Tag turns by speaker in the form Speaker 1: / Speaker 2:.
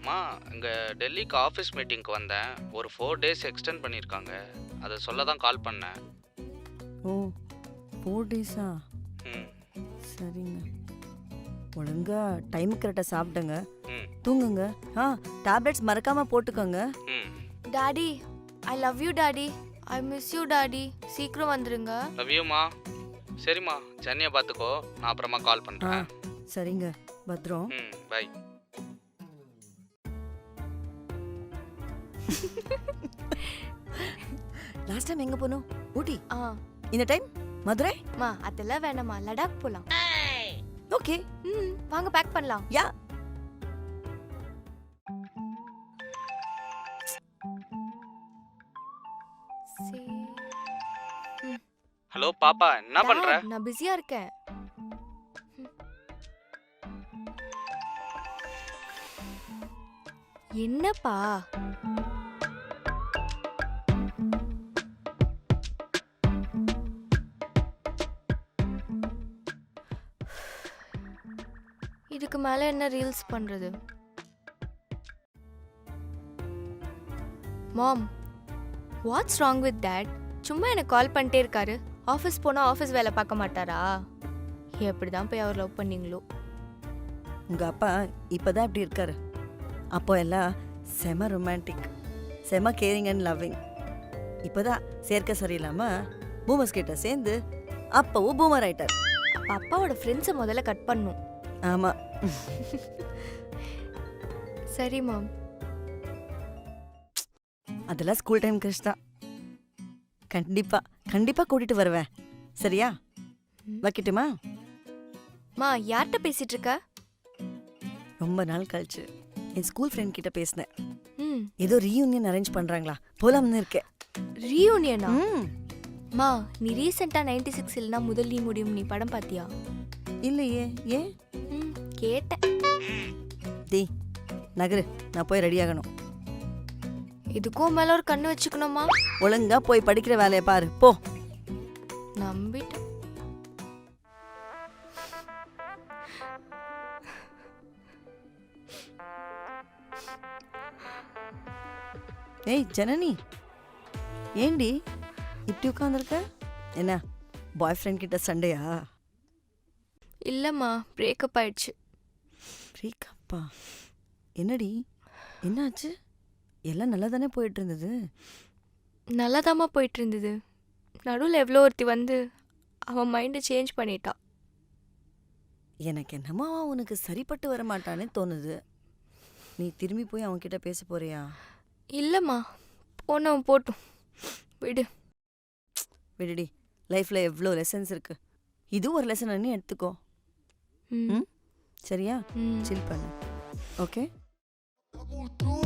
Speaker 1: மா இங்கே டெல்லிக்கு ஆஃபீஸ் மீட்டிங்க்கு வந்தேன். ஒரு 4 டேஸ் எக்ஸ்டெண்ட் பண்ணியிருக்காங்க. அதை சொல்ல தான் கால் பண்ணேன்.
Speaker 2: ஓ 4 டேஸா?
Speaker 1: ம்
Speaker 2: சரிங்க. ஒழுங்கா டைமுக்கு கரெக்டாக சாப்பிடுங்க,
Speaker 1: ம்
Speaker 2: தூங்குங்க. டேப்லெட்ஸ் மறக்காம போட்டுக்கோங்க.
Speaker 1: ம்
Speaker 3: daddy I love you daddy. I miss you daddy. சீக்கிரம் வந்துருங்க.
Speaker 1: லவ் யூமா. சரிம்மா, சென்னையை பார்த்துக்கோ. நான் அப்புறமா கால் பண்ணுறேன்.
Speaker 2: சரிங்க, பத்ரம்.
Speaker 1: ம் பை.
Speaker 2: லாஸ்ட் டைம் எங்க போனோம்? ஊட்டி.
Speaker 3: ஆ
Speaker 2: இந்த டைம் மதுரை.
Speaker 3: மா அதெல்லாம் வேணாமா, லடாக் போலாம்.
Speaker 2: ஓகே,
Speaker 3: வாங்க பேக் பண்ணலாம்.
Speaker 2: யா.
Speaker 1: ஹலோ பாப்பா, என்ன பண்ற?
Speaker 3: Dad, நான் பிஸியா இருக்கேன். என்னப்பா? இதுக்கு மேல என்ன ரீல்ஸ் பண்றது? Mom, what's wrong with that? சும்மா எனக்கு கால் பண்ணிட்டே இருக்காரு. ஆஃபீஸ் போனால் ஆஃபீஸ் வேலை பார்க்க மாட்டாரா? எப்படி தான் போய் அவர் லவ் பண்ணீங்களோ?
Speaker 2: உங்க அப்பா இப்பதான் இப்படி இருக்காரு. அப்போ எல்லாம் செம ரொமான்டிக், செம கேரிங் அண்ட் லவ்விங். இப்போதான் சேர்க்க சரியில்லாம பூமர்ஸ் கிட்ட சேர்ந்து அப்பவும் பூமர் ஆயிட்டார்.
Speaker 3: அப்ப அப்பாவோட ஃப்ரெண்ட்ஸை முதல்ல கட் பண்ணும்.
Speaker 2: ஆமா.
Speaker 3: சரி மாம்.
Speaker 2: அதெல்லாம் ஸ்கூல் டைம் கிருஷ் தான். கண்டிப்பா கண்டிப்பா கூட்டிட்டு வருவேன். சரியா? வைக்கட்டுமா?
Speaker 3: மா யார்கிட்ட பேசிட்டு இருக்க?
Speaker 2: ரொம்ப நாள் கழிச்சு என் ஸ்கூல் ஃப்ரெண்ட் கிட்ட பேசினேன்.
Speaker 3: ம்
Speaker 2: ஏதோ ரீயூனியன் அரேஞ்ச் பண்றாங்களா, போலாம்னு இருக்கேன்.
Speaker 3: ரீயூனியனா? மா நீ ரீசெண்டா 96 இல்லனா முதல் நீ முடியும் நீ படம் பாத்தியா?
Speaker 2: இல்லையே, ஏன்?
Speaker 3: கேட்டேன்.
Speaker 2: டேய் நகரு, நான் போய் ரெடி ஆகணும்.
Speaker 3: இதுக்கும் மேல ஒரு கண்ணு வச்சுக்கணுமா?
Speaker 2: ஒழுங்கா போய் படிக்கிற வேலையை பாரு, போ.
Speaker 3: நம்பிட்டேன்.
Speaker 2: ஏய் ஜனனி, ஏண்டி இப்படி உட்காந்துருக்க? என்ன பாய் ஃப்ரெண்ட் கிட்ட சண்டையா?
Speaker 3: இல்லம்மா, பிரேக்கப் ஆயிடுச்சு.
Speaker 2: பிரேக்கப்பா? என்னடி என்னாச்சு? எல்லாம் நல்லா தானே போயிட்டு இருந்தது.
Speaker 3: நல்லாதாம்மா போயிட்டு இருந்தது. நடுவில் எவ்வளோ ஒருத்தி வந்து அவன் மைண்டை சேஞ்ச் பண்ணிட்டா.
Speaker 2: எனக்கு என்னமோ அவன் உனக்கு சரிப்பட்டு வர மாட்டானே தோணுது. நீ திரும்பி போய் அவன்கிட்ட பேச போறியா?
Speaker 3: இல்லைம்மா, போனவன் போட்டும், விடு.
Speaker 2: விடுடி, லைஃப்ல எவ்வளோ லெசன்ஸ் இருக்கு. இது ஒரு லெசன் நீ எடுத்துக்கோ. சரியா? சில் பண்ணு. ஓகே.